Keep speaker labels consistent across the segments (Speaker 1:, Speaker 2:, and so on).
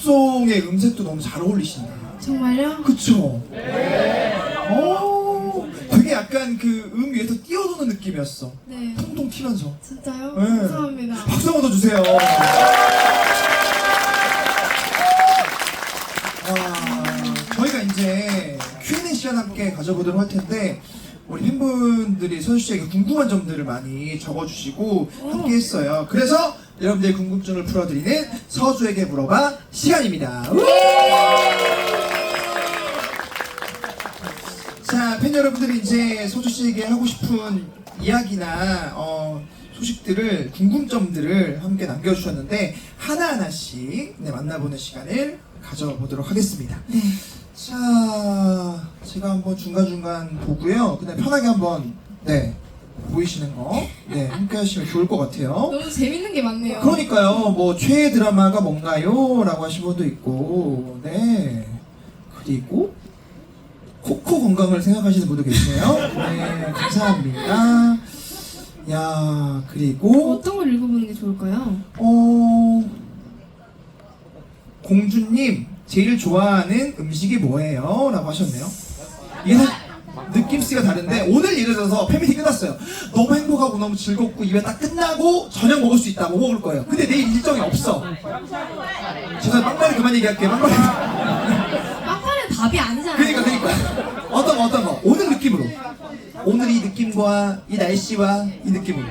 Speaker 1: 팝송의 음색도 너무 잘 어울리신다.
Speaker 2: 정말요?
Speaker 1: 그쵸? 되게 약간 그 위에서 뛰어도는 느낌이었어.
Speaker 2: 네.
Speaker 1: 통통 튀면서.
Speaker 2: 진짜요?
Speaker 1: 네.
Speaker 2: 감사합니다.
Speaker 1: 박수 한번 더 주세요. 저희가 이제 Q&A 시간 함께 가져보도록 할 텐데 우리 팬분들이 서주 씨에게 궁금한 점들을 많이 적어주시고 함께 했어요. 그래서 여러분들의 궁금증을 풀어드리는 서주에게 물어봐 시간입니다. 자, 팬 여러분들이 이제 서주 씨에게 하고 싶은 이야기나 소식들을, 궁금점들을 함께 남겨주셨는데 하나하나씩 만나보는 시간을 가져보도록 하겠습니다.
Speaker 2: 네.
Speaker 1: 자, 제가 한번 중간중간 보고요. 그냥 편하게 한번 보이시는 거 함께 하시면 좋을 것 같아요.
Speaker 2: 너무 재밌는 게 많네요.
Speaker 1: 그러니까요. 뭐 최애 드라마가 뭔가요? 라고 하신 분도 있고 그리고 코코 건강을 생각하시는 분도 계시네요. 네, 감사합니다. 야, 그리고
Speaker 2: 어떤 걸 읽어보는 게 좋을까요?
Speaker 1: 공주님 제일 좋아하는 음식이 뭐예요? 라고 하셨네요. 이게 느낌씨가 다른데 오늘 예를 들어서 팬미팅 끝났어요. 너무 행복하고 너무 즐겁고 이벤트 딱 끝나고 저녁 먹을 수 있다. 뭐 먹을 거예요. 근데 내일 일정이 없어. 죄송해요. 빵빠레 그만 얘기할게요. 빵빠레.
Speaker 2: 빵빠레는 답이 아니잖아요.
Speaker 1: 그러니까 어떤 거 오늘 느낌으로, 오늘 이 느낌과 이 날씨와 이 느낌으로.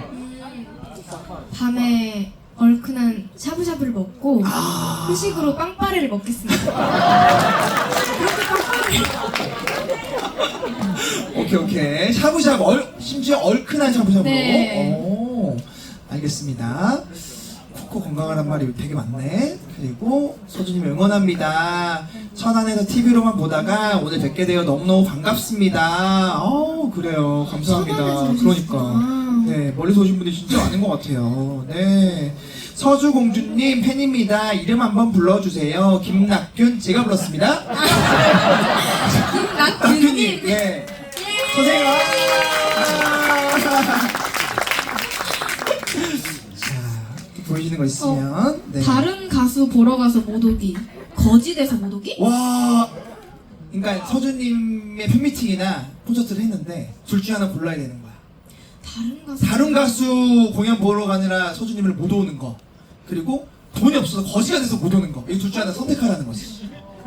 Speaker 2: 밤에 얼큰한 샤브샤브를 먹고 후식으로 빵빠레를 먹겠습니다. 그렇게 빵빠레를
Speaker 1: 오케이. 샤브샤브, 심지어 얼큰한 샤브샤브로.
Speaker 2: 네.
Speaker 1: 오, 알겠습니다. 코코 건강하란 말이 되게 많네. 그리고 소주님 응원합니다. 천안에서 TV로만 보다가 오늘 뵙게 되어 너무너무 반갑습니다. 그래요. 감사합니다.
Speaker 2: 천안에서
Speaker 1: 그러니까. 네, 멀리서 오신 분들이 진짜 많은 것 같아요. 네. 서주공주님 팬입니다. 이름 한번 불러주세요. 김낙균, 제가 불렀습니다.
Speaker 2: 김낙균님.
Speaker 1: 네. 선생님. 자, 또 보이시는 거 있으면. 네.
Speaker 2: 다른 가수 보러 가서 못 오기. 거지 돼서 못 오기?
Speaker 1: 와. 그러니까 서주님의 팬미팅이나 콘서트를 했는데 둘 중에 하나 골라야 되는 거야. 다른 가수 공연 보러 가느라 서주님을 못 오는 거, 그리고 돈이 없어서 거지가 돼서 못 오는 거. 이 둘 중에 하나 선택하라는 거지.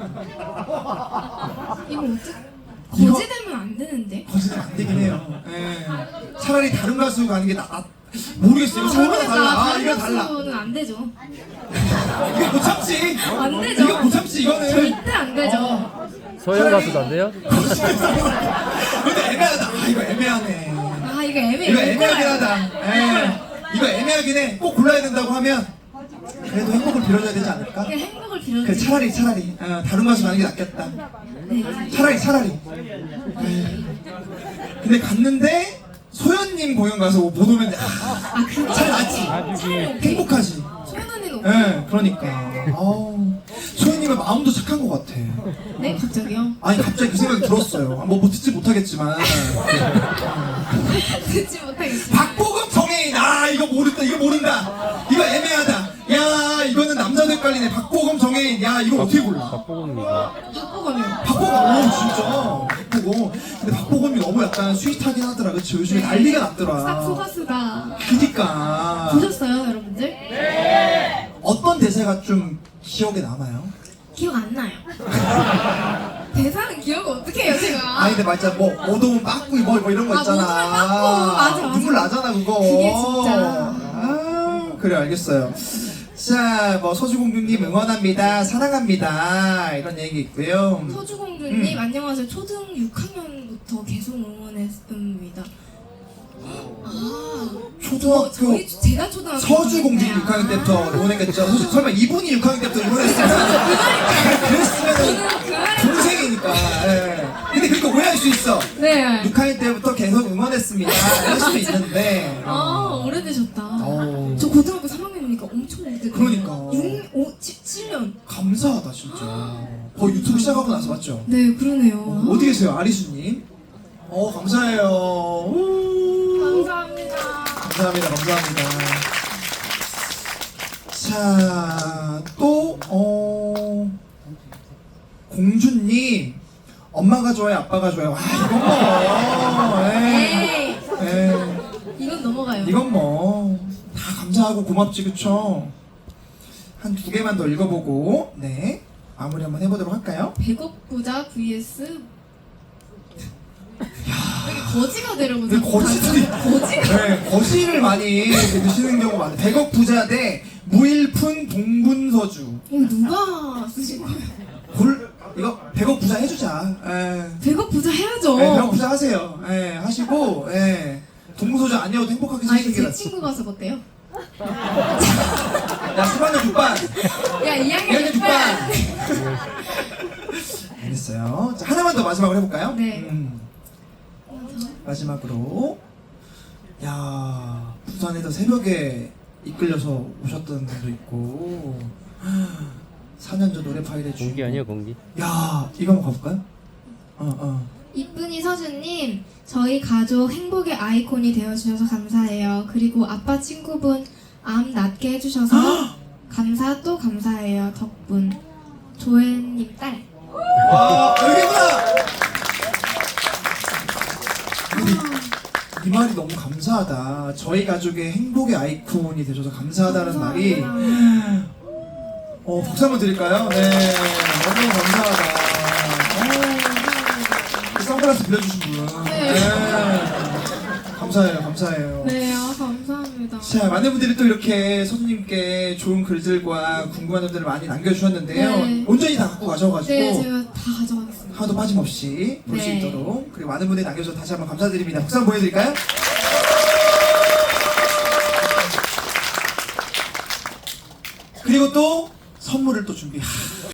Speaker 2: 이거 어떻게? 거지 되면 안 되는데?
Speaker 1: 거지 되면 안 되긴 해요. 차라리 다른 가수 가는 게 모르겠어요. 이거 사람마다 달라. 이거 달라.
Speaker 2: 가수는 안 되죠.
Speaker 1: 이거 못 참지.
Speaker 2: 안 되죠.
Speaker 1: 이거 못 참지. 이거는
Speaker 2: 절대 안 되죠.
Speaker 3: 서영 가수도 안 돼요?
Speaker 1: 근데 애매하다. 이거 애매하네.
Speaker 2: 이거 애매해.
Speaker 1: 이거 애매하긴 하다. 이거 애매하긴 해. 꼭 골라야 된다고 하면 그래도 행복을 빌어줘야 되지 않을까?
Speaker 2: 그냥 행복을 빌어주세요.
Speaker 1: 그래, 차라리 다른 가수 가는 게 낫겠다.
Speaker 2: 네.
Speaker 1: 차라리. 근데 갔는데 소연님 공연 가서 못 오면
Speaker 2: 그거
Speaker 1: 잘 낫지. 행복하지.
Speaker 2: 소연 언니는
Speaker 1: 그러니까. 소연님은 마음도 착한 것 같아.
Speaker 2: 네? 갑자기요?
Speaker 1: 아니 갑자기 그 생각이 들었어요. 뭐 듣지 못하겠지만.
Speaker 2: 듣지 못하겠어요.
Speaker 1: 박보검 정혜인. 이거 모른다. 이거 애매하다. 야, 이거는 남자도 헷갈리네. 박보검 정혜인. 야, 이거 어떻게 골라?
Speaker 3: 박보검입니다.
Speaker 2: 박보검이요.
Speaker 1: 박보검. 진짜. 박보검. 근데 박보검이 너무 약간 스윗하긴 하더라. 그치? 요즘에 난리가 났더라.
Speaker 2: 싹 소가수다.
Speaker 1: 그니까.
Speaker 2: 보셨어요, 여러분들? 네.
Speaker 1: 어떤 대사가 좀 기억에 남아요?
Speaker 2: 기억 안 나요. 대사는 기억을 어떻게 해요, 제가?
Speaker 1: 근데 맞아. 뭐 오동은 빠꾸 뭐 이런 거 있잖아.
Speaker 2: 오동은 빠꾸. 맞아.
Speaker 1: 눈물 나잖아, 그거.
Speaker 2: 그게 진짜.
Speaker 1: 그래, 알겠어요. 자, 뭐 서주공주님 응원합니다. 사랑합니다. 이런 얘기 있고요.
Speaker 2: 서주공주님, 안녕하세요. 초등 6학년부터 계속 응원했습니다.
Speaker 1: 초등학교
Speaker 2: 제가 초등학교
Speaker 1: 서주공주님 6학년 때부터 응원했겠죠. 설마 이분이 6학년 때부터 응원했으면 그랬으면 동생이니까. 근데 그렇게 오해할 수 있어.
Speaker 2: 네.
Speaker 1: 6학년 때부터 계속 응원했습니다. 이럴 수도 있는데.
Speaker 2: 오래되셨다. 저 고등학교 3학년이니까 엄청 오래됐네.
Speaker 1: 그러니까.
Speaker 2: 7년.
Speaker 1: 감사하다 진짜. 거의 유튜브 시작하고 나서 맞죠?
Speaker 2: 네, 그러네요.
Speaker 1: 어디 계세요, 아리수님? 감사해요.
Speaker 2: 감사합니다.
Speaker 1: 감사합니다. 자, 또 공주님, 엄마가 좋아요, 아빠가 좋아요. 와, 이건 뭐.
Speaker 2: 에이,
Speaker 1: 에이.
Speaker 2: 이건 넘어가요.
Speaker 1: 이건 뭐 다 감사하고 고맙지, 그쵸? 한 두 개만 더 읽어보고 네 마무리 한번 해보도록 할까요?
Speaker 2: 100억 부자 vs 되게 거지가 되려고
Speaker 1: 근데 거지들이
Speaker 2: 거지가
Speaker 1: 네, 거시를 많이 이렇게 드시는 경우가 많아요. 100억 부자 대 무일푼 동분서주.
Speaker 2: 이거 누가 쓰신 거예요?
Speaker 1: 이거 100억 부자 해주자.
Speaker 2: 100억 부자 해야죠.
Speaker 1: 100억 부자 하세요. 하시고 동분서주 아니어도 행복하게
Speaker 2: 아
Speaker 1: 사시는
Speaker 2: 이거
Speaker 1: 게
Speaker 2: 제
Speaker 1: 낫죠.
Speaker 2: 친구가 써봤대요.
Speaker 1: 야 3학년 6반
Speaker 2: 야 2학년
Speaker 1: 2학년
Speaker 2: 6반.
Speaker 1: 6반 알겠어요. 자, 하나만 더 마지막으로 해볼까요?
Speaker 2: 네.
Speaker 1: 마지막으로 야 부산에서 새벽에 이끌려서 오셨던 분도 있고 4년 전 노래 파일에
Speaker 3: 공기
Speaker 1: 주인공.
Speaker 3: 아니에요 공기?
Speaker 1: 야 이거 한번 가볼까요?
Speaker 2: 이쁜이 서준님, 저희 가족 행복의 아이콘이 되어주셔서 감사해요. 그리고 아빠 친구분 암 낫게 해주셔서 감사 또 감사해요. 덕분. 조혜님 딸.
Speaker 1: 와 여기구나. 이 말이 너무 감사하다. 저희 가족의 행복의 아이콘이 되셔서 감사하다는 말이 박수 한번 드릴까요? 네 너무 감사하다. 선글라스 빌려주신 분.
Speaker 2: 네.
Speaker 1: 감사해요, 감사해요.
Speaker 2: 네, 감사합니다.
Speaker 1: 자, 많은 분들이 또 이렇게 서준님께 좋은 글들과 궁금한 점들을 많이 남겨주셨는데요.
Speaker 2: 네.
Speaker 1: 온전히 다 갖고 가셔가지고
Speaker 2: 네, 제가 다 가져가겠습니다.
Speaker 1: 하나도 빠짐없이 볼 수
Speaker 2: 네.
Speaker 1: 있도록 그리고 많은 분들이 남겨주셔서 다시 한번 감사드립니다. 박수 한번 보여드릴까요? 그리고 또 선물을 또 준비.